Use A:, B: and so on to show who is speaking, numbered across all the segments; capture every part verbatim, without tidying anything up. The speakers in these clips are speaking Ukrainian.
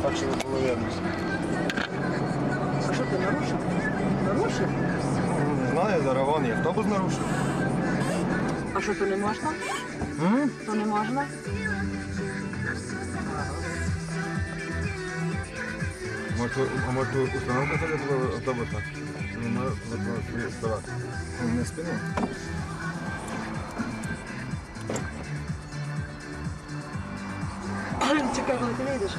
A: Так, щоб було видно.
B: А що ти нарушив? Нарушив?
A: Не знаю, зараз вон є. Автобус нарушив.
B: А що то не можна?
A: М?
B: То не можна?
C: Может, а может установка этого автобуса? Ну, вот стараться.
A: Не спину.
B: Чекай, коли ти вийдеш.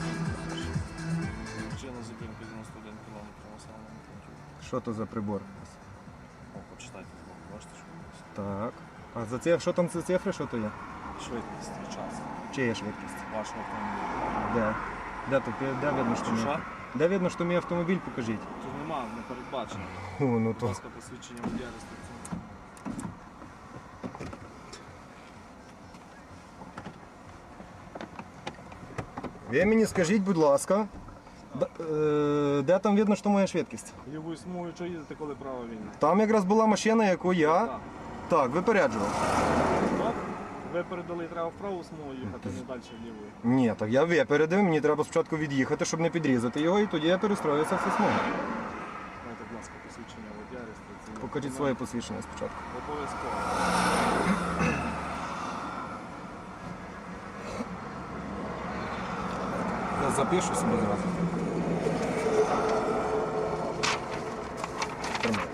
D: Причина зупинки дев'яносто один кілометр на самому пункті.
A: Що то за прибор?
D: О, почитайте збоку, бачите, що у нас.
A: Так. А за це, що там за цифри, що то є?
D: Швидкість і час
A: Чи є швидкість?
D: вашого автомобіля.
A: Де? Де тут? Де видно, що
D: Що,
A: мій?
D: що?
A: Де видно, що мій автомобіль, покажіть.
D: Тут нема, не передбачено.
A: О, ну
D: Будь
A: то.
D: ласка, посвідчення водія реєстраційного.
A: Ви мені скажіть, будь ласка, де, е, де там видно, що моя швидкість?
D: Лівою смугою, що їдете, коли права вільна?
A: Там якраз була машина, яку я
D: Так.
A: так випереджував.
D: Стоп. Ви передали, треба в праву смугу їхати, не далі лівою.
A: Ні, так я випередив, мені треба спочатку від'їхати, щоб не підрізати його, і тоді я перестроюся в смугу.
D: Дайте, будь ласка, посвідчення водія реєстраційного.
A: Покажіть своє посвідчення спочатку.
D: Обов'язково.
A: Я запишу собі зразу. Тримай.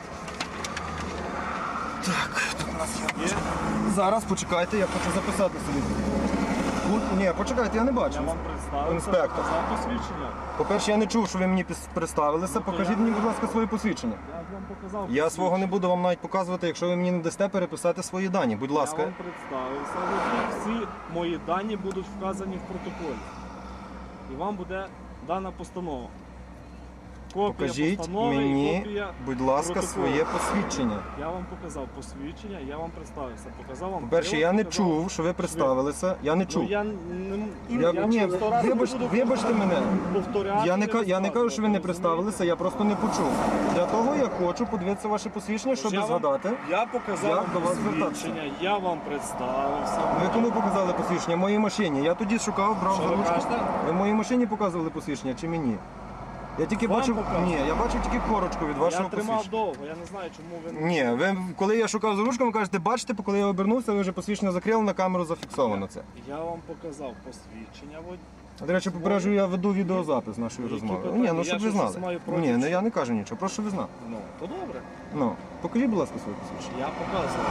A: Так, тут у нас є.
D: Є?
A: Зараз почекайте, я хочу записати собі. Тут, ні, почекайте, я не бачу.
D: Я вам представився,
A: Інспектор.
D: показав посвідчення.
A: По-перше, я не чув, що ви мені пис- представилися.
D: Ну, то
A: Покажіть
D: я-
A: мені, будь ласка, своє посвідчення.
D: Я вам показав
A: Я свого не
D: посвідчення.
A: буду вам навіть показувати, якщо ви мені не дасте переписати свої дані. Будь
D: Я
A: ласка.
D: вам представився, водій. Всі мої дані будуть вказані в протоколі. І вам буде дана постанова. Копія
A: Покажіть
D: постанови і
A: мені,
D: копія
A: будь ласка,
D: протоколу.
A: своє посвідчення.
D: Я вам показав посвідчення, я вам представився. Показав вам.
A: По-перше,
D: прилад,
A: я не
D: показав-
A: чув, що ви представилися. Я не
D: Ну,
A: чув.
D: я не
A: Я,
D: я
A: ні,
D: вам сто разів
A: вибач,
D: не буду
A: вибачте мене.
D: повторяти.
A: Я не, ка- я не кажу, що ви не
D: розказувати,
A: представилися, я просто не почув. Для того я хочу подивитися ваше посвідчення, щоб
D: Я вам-
A: згадати.
D: Я показав
A: Як
D: вам
A: до вас
D: посвідчення, я вам представився.
A: Ви кому показали посвідчення? Моїй машині. Я тоді шукав, брав
D: Що
A: за
D: ви
A: ручку.
D: кажете?
A: Ви моїй машині показували посвідчення чи мені? Я тільки
D: Вам
A: бачив.
D: показували?
A: Ні, я бачив тільки корочку від вашого
D: Я тримав
A: посвідчення.
D: довго, я не знаю, чому ви
A: Ні, ви коли я шукав за ручком, ви кажете, бачите, коли я обернувся, ви вже посвідчення закрили, на камеру зафіксовано це.
D: Я вам показав посвідчення водія.
A: До речі, попереджую, я веду відеозапис нашої
D: Які
A: розмови.
D: питання?
A: Ні, ну
D: Я
A: щоб ви
D: щось
A: знали.
D: маю проти,
A: Ні, ну
D: що-
A: я не кажу нічого, просто щоб ви знали.
D: Ну, то добре.
A: Ну, покажіть, будь ласка, своє посвідчення.
D: Я показував.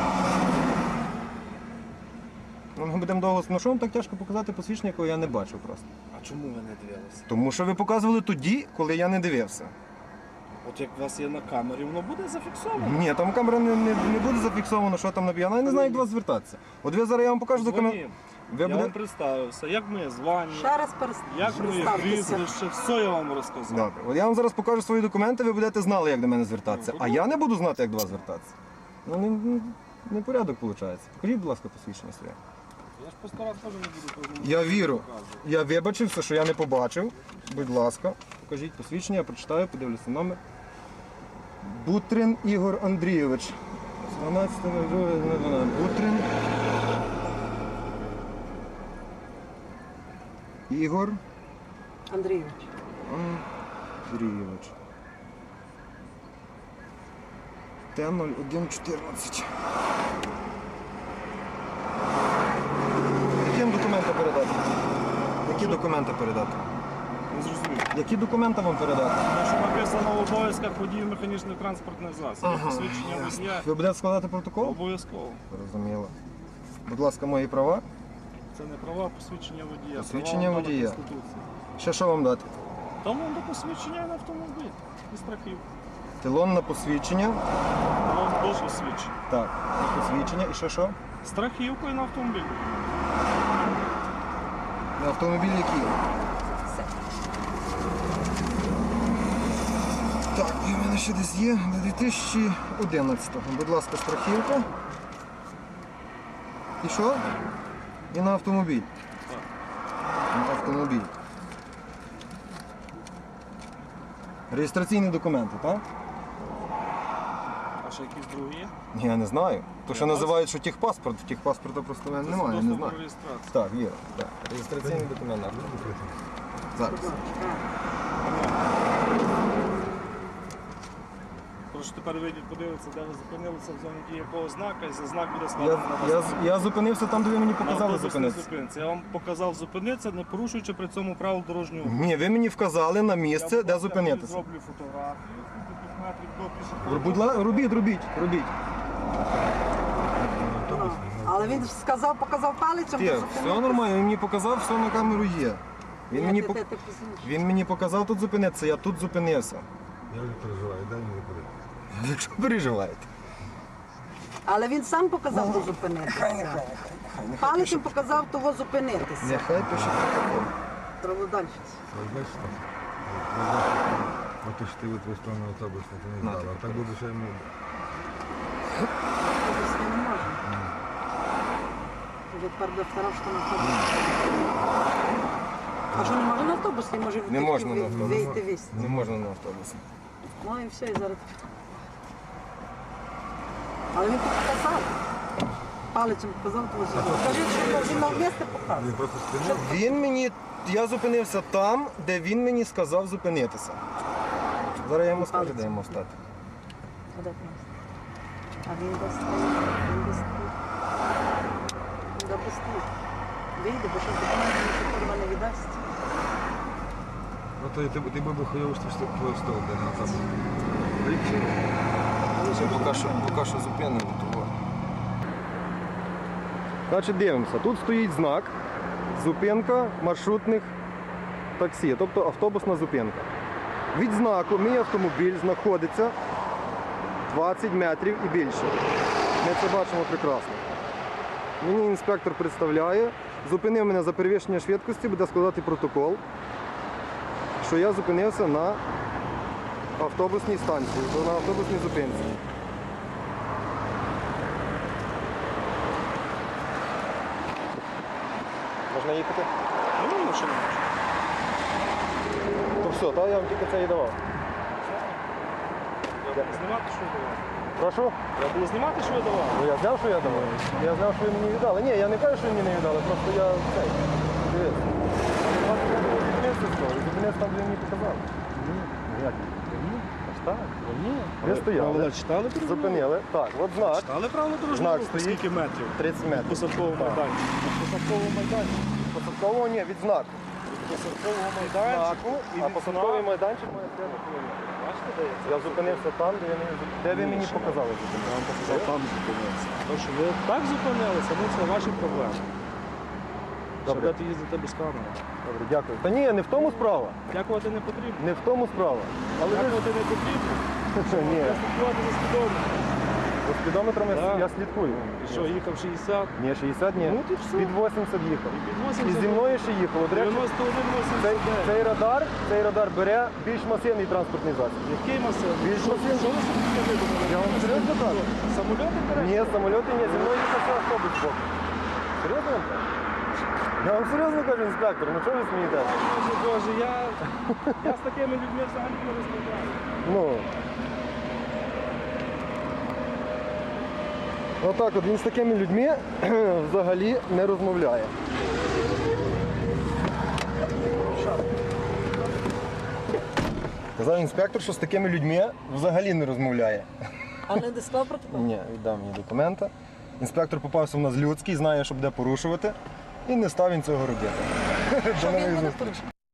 A: Ну, ми будемо довго. Ну що вам так тяжко показати посвідчення, якого я не бачив просто.
D: А чому ви не дивилися?
A: Тому що ви показували тоді, коли я не дивився.
D: От як у вас є на камері, воно буде зафіксовано.
A: Ні, там камера не, не, не буде зафіксовано, що там написано. Я не знаю, як до вас звертатися. От ви зараз я вам покажу документ.
D: Дзвонім.
A: Ви
D: Я
A: буде...
D: вам представився, як ми звані,
B: Ще раз перес-
D: як ми
B: представтеся.
D: прізвище, все я вам розказав.
A: Добре. От я вам зараз покажу свої документи, ви будете знали, як до мене звертатися.
D: Ну,
A: А я не буду знати, як до вас звертатися. Ну, не, не, не порядок виходить. Покажіть, будь ласка, посвідчення своє.
D: Я ж по сто раз теж не буду кожному
A: Я віру.
D: показувати.
A: Я вибачився, що я не побачив. Будь ласка, покажіть посвідчення, я прочитаю, подивлюся номер. Бутрин Ігор Андрійович. дванадцятого Бутрин. Ігор
B: Андрійович.
A: Андрійович. Т нуль один чотирнадцять. Яким документи передати? Які документи передати?
D: Не зрозумів.
A: Які документи вам передати?
D: Тому що написано в обов'язках водіїв механічних транспортних засобів.
A: Ага,
D: Посвідчення водія
A: Ви будете складати протокол?
D: обов'язково.
A: Зрозуміло. Будь ласка, мої права.
D: Це не права, посвідчення водія.
A: Посвідчення
D: Права вам дана
A: водія.
D: Конституція.
A: Ще що вам дати?
D: Там вам до посвідчення на автомобіль і страхів.
A: Талон на посвідчення.
D: Вам до посвідчення.
A: Так, на посвідчення. І ще що?
D: Страхівкою на автомобіль.
A: На автомобіль який? Так, і в мене ще десь є до дві тисячі одинадцятого. Будь ласка, страхівка. І що? І на автомобіль.
D: Так.
A: На автомобіль. Реєстраційні документи, так?
D: А ще якісь другі є?
A: Ні, я не знаю. То, що
D: Є
A: називають, що техпаспорт, техпаспорта просто в мене немає, я не
D: Свідоцтво
A: знаю.
D: про реєстрацію.
A: Так, є. Так. Реєстраційний документ. Зараз.
D: Прошу тепер вийдіть, подивитися, де ви зупинилися в зоні дії якого знака, і за знак буде
A: Я,
D: складено на
A: я,
D: вас.
A: я зупинився там, де ви мені
D: На
A: показали
D: автобусній
A: зупинитися.
D: зупинці. Я вам показав зупинитися, не порушуючи при цьому правил дорожнього руху.
A: Ні, ви мені вказали на
D: Я,
A: місце,
D: будь
A: де
D: ласка,
A: зупинитися.
D: зроблю фотографію, скільки тут метрів до пішохідного.
A: Будь ласка, робіть, робіть, робіть.
C: Автобус.
B: Але він сказав, показав палицем.
A: Ті,
B: то
A: все
B: зупинитися.
A: нормально, він мені показав, все на камеру є. Він
B: Ні,
A: мені,
B: ти-
A: пок-
B: ти- ти пізніше.
A: він мені показав тут зупинитися, я тут зупинився.
C: Я вже переживаю, дай мені куди.
A: Якщо переживаєте.
B: Але він сам показав то зупинитися. Палицем показав того зупинитися.
A: Нехай пише протокол.
B: Треба далі.
C: Ось бачиш так? Ото ж ти от в сторону автобус, ти не
A: На,
C: знала. А так буде ще йому.
B: Автобус не можна. Вже тепер до второго, що на автобус. А що не можна на автобус? Не може
A: Не можна на автобус.
B: вийти весь.
A: Не можна на автобусі.
B: Ну і все, і зараз. Але він тут показав. Палицем показав того зупинитися. Скажіть, що він на місце показав.
C: Він просто спинив.
A: Він мені, я зупинився там, де він мені сказав зупинитися. Зараз я йому скажу, де йому стати.
B: А де ти нас? А він десь стоїть, він десь стоїть. Він добре стоїть. Вийде, бо що документи ніхто курва не віддасть.
C: Ну то ти, ти би хуйово, що ти твого стол, де на автобус. Річі.
A: Поки що, поки що зупинимо того. Значить, дивимося. Тут стоїть знак зупинка маршрутних таксі, тобто автобусна зупинка. Від знаку мій автомобіль знаходиться двадцять метрів і більше. Ми це бачимо прекрасно. Мені інспектор представляє, зупинив мене за перевищення швидкості, буде складати протокол, що я зупинився на автобусній станції, на автобусній зупинці. Можна їхати?
D: Ну, ну, що не можна.
A: То все, так, я вам тільки це і давав.
D: Я буду знімати, що ви давали.
A: Прошу?
D: Я буду знімати, що ви давали.
A: Ну я знав, що я давав. Я знав, що ви мені віддали. Ні, я не кажу, що ви мені не віддали, просто я цей. Дивись. Зупинився з того, зупинився там, де ви мені показали. Ні, ну як? Ні, аж так. Ні. Ви стояли,
D: Правила читали?
A: зупинили. Так, от знак,
D: Читали правила дорожнього
A: Знак
D: руху?
A: стоїть.
D: Скільки метрів?
A: тридцять
D: Від
A: метрів.
D: посадкового
A: Так.
D: майданчика. Від посадкового майданчика.
A: Посадкового ні, від знаку.
D: Від посадкового
A: Знаку,
D: майданчика. І
A: а
D: від
A: посадковий
D: знаку.
A: майданчик має п'ять кілометрів.
D: Бачите, де є?
A: Я зупинився там, де, я мені, де ви мені
D: Ні,
A: показали.
D: Я вам показав там зупинитися. То, що ви так зупинилися, ну це ваші проблеми. Що
A: Добре.
D: будете їздити без камери.
A: Добре, дякую. Та ні, не в тому справа.
D: Дякувати не потрібно.
A: Не в тому справа. Але ви
D: Дякувати не потрібно.
A: ні,
D: Я слідкувати за спідометром.
A: за спідометрами
D: Так.
A: я слідкую.
D: І що, їхав шістдесят?
A: Ні, шістдесят ні.
D: Ну, ти все.
A: Під вісімдесят їхав.
D: І під
A: І
D: вісімдесят.
A: зі мною ще їхало. До речі,
D: дев'яносто один
A: цей,
D: вісімдесят дев'ять.
A: цей радар, цей радар бере більш масивний транспортний засіб.
D: Який масив?
A: Більш
D: Що
A: масивний.
D: що ви собі видумали?
A: Я вам серйозно кажу?
D: Самольоти берете?
A: Ні, самольоти ні, зі мною їхав ще автобус збоку. Серйозно вам кажу? Я вам серйозно кажу, інспектор, ну чого ви смієтеся?
D: Боже, Боже, я, я з такими людьми взагалі не розмовляю.
A: Ну. Отак от він з такими людьми взагалі не розмовляє. Казав інспектор, що з такими людьми взагалі не розмовляє.
B: А не дисклав протокол?
A: Ні, віддав мені документи. Інспектор попався в нас людський, знає, що буде порушувати, і не став він цього робити.
B: Що
A: До
B: він
A: нових
B: буде
A: зустрічей.
B: порушувати?